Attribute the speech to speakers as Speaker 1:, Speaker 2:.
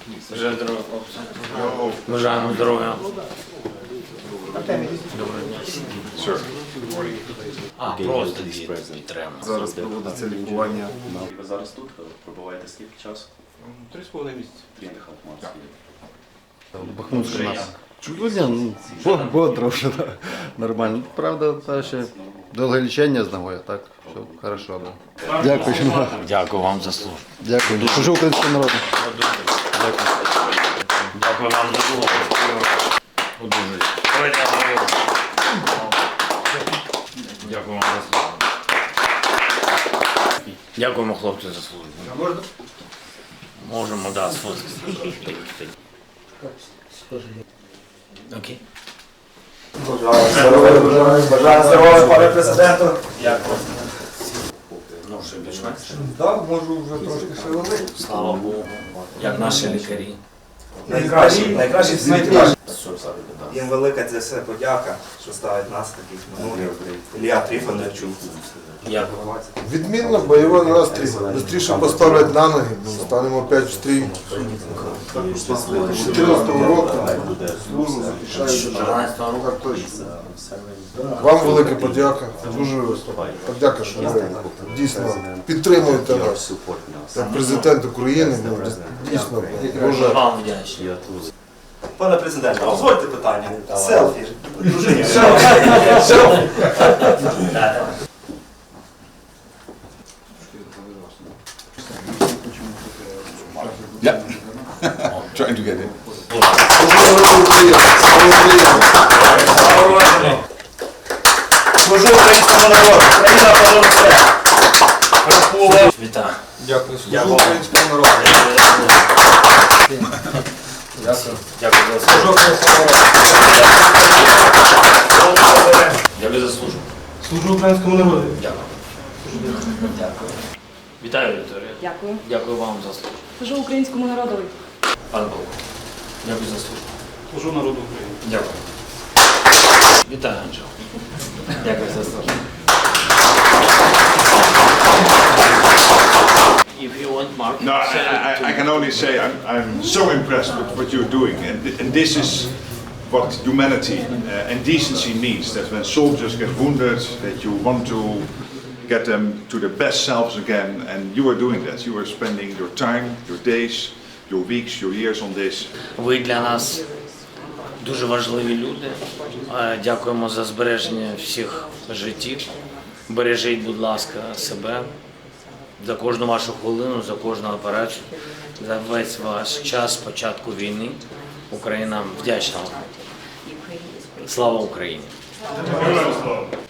Speaker 1: Бажаю здоров'я, хлопці. Бажаємо здоров'я. Доброго дня. Просто треба.
Speaker 2: Зараз проводиться лікування.
Speaker 3: Ви зараз тут пробуваєте скільки часу?
Speaker 2: 3,5 місяці.
Speaker 3: Віддихав Марс.
Speaker 2: Бахмутська нас. Чудово, бодро вже, нормально. Правда, та ще довге лічення з ногою, так, все хорошо, да. Дякую.
Speaker 1: Дякую вам за службу.
Speaker 2: Дякую. Служу українському народу.
Speaker 1: Дякую вам за службу. Дякую вам за службу. Дякуємо, хлопці, за службу.
Speaker 2: Можна?
Speaker 1: Можемо, да, сфоткатися. Окей.
Speaker 4: Бажаю здоров'я, пане президенту.
Speaker 1: Дякую. Ну, що більш-менш.
Speaker 4: Так, можу вже трошки шевелити.
Speaker 1: Слава Богу. Як наші лікарі.
Speaker 4: Найкращі в світі.
Speaker 1: Що зараз біда?
Speaker 4: Їм велика це все подяка, що ставить нас таких минулих. Ілля Трифоновичу.
Speaker 1: Дякую.
Speaker 5: Відмінно, бойовий настрій. Бистріше поставлять на ноги, станемо опять в стрій. З 14-го року служу, захищаю державу. Так точно. Вам велика подяка. Дуже подяка, що ви дійсно підтримуєте нас. Як президент України, дійсно дуже.
Speaker 1: Вам вдячний.
Speaker 4: Пане президенте, дозвольте питання. Селфі. Дружині.
Speaker 6: Yeah, trying to get in.
Speaker 4: Служу українському народу. Україна понад все.
Speaker 1: Вітаю.
Speaker 5: Дякую, служу українському народу.
Speaker 1: Дякую за службу. Дякую за службу.
Speaker 4: Служу українському народу.
Speaker 1: Дякую. Дякую. Вітаю, Вікторія.
Speaker 7: Дякую.
Speaker 1: Дякую вам за службу.
Speaker 7: Служу українському народові.
Speaker 1: Пан Бог. Дякую за службу.
Speaker 4: Служу народу України.
Speaker 1: Дякую. Вітаю, Анджел. Дякую за службу. If you want, Mark,
Speaker 6: No, I can only say I'm so impressed with what you're doing, and this is what humanity and decency means. That when soldiers get wounded, that you want to get them to their best selves again, and you are doing that. You are spending your time, your days, your weeks, your years on this.
Speaker 1: ви для нас дуже важливі люди. Дякуємо за збереження всіх життів. Бережіть, будь ласка, себе. За кожну вашу хвилину, за кожну операцію, за весь ваш час з початку війни. Україна вдячна вам. Слава Україні!